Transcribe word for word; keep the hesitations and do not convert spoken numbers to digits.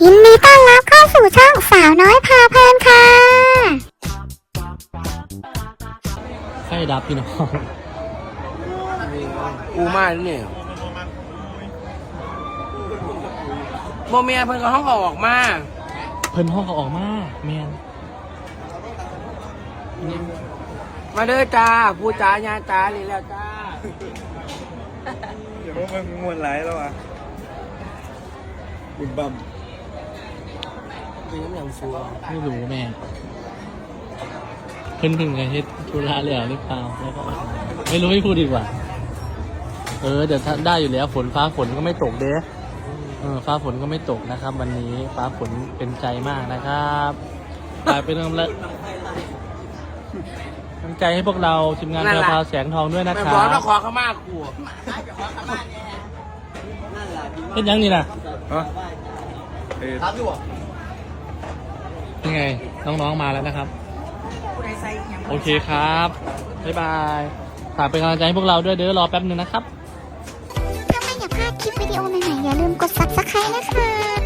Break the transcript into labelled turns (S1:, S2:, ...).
S1: ยินดีต้อนรับเข้าสู่ช่องสาวน้อยพาเพลินค่ะ
S2: ไฟดับพี่น้อง
S3: กูมาเนี่ยโมเมียเพิ่นก็ห้องออกมา
S2: เพิ่นห้องเขาออกมาแมน
S3: มาเด้อจ้าผู้จ้าญาจ้าเลยแล้วจ้า
S4: เดี๋ยวมันงวนไหลแล้วอ่ะบุญบัม
S3: เป็นน้ำอย่างซัว
S2: ไม่รู้แม่เพิ่นเพิ่งจะเฮ็ดธุระแล้วหรือเปล่าแล้วก็ไม่รู้ไม่พูดดีกว่าเออเดี๋ยวได้อยู่แล้วฝนฟ้าฝนก็ไม่ตกเด้เออฟ้าฝนก็ไม่ตกนะครับ วันนี้ฟ้าฝนเป็นใจมากนะครับกลายเป็นกำลังกำลังใจให้พวกเราทีมงานแพรวพราวแสงทองด้วยนะครั
S3: บบอกว่าขอขมากู
S2: เป็นยังนี่นะ
S4: ฮะเอ๊ะ
S2: ยังไงน้องๆมาแล้วนะครับโอเคครับบ๊ายบายฝากเป็นกำลังใจให้พวกเราด้วยเดี๋ยวรอแป๊บนึงนะครับ
S1: ถ้าไม่อยากพลาดคลิปวิดีโอใหม่ๆอย่าลืมกด ซับสไครบ์ นะคะ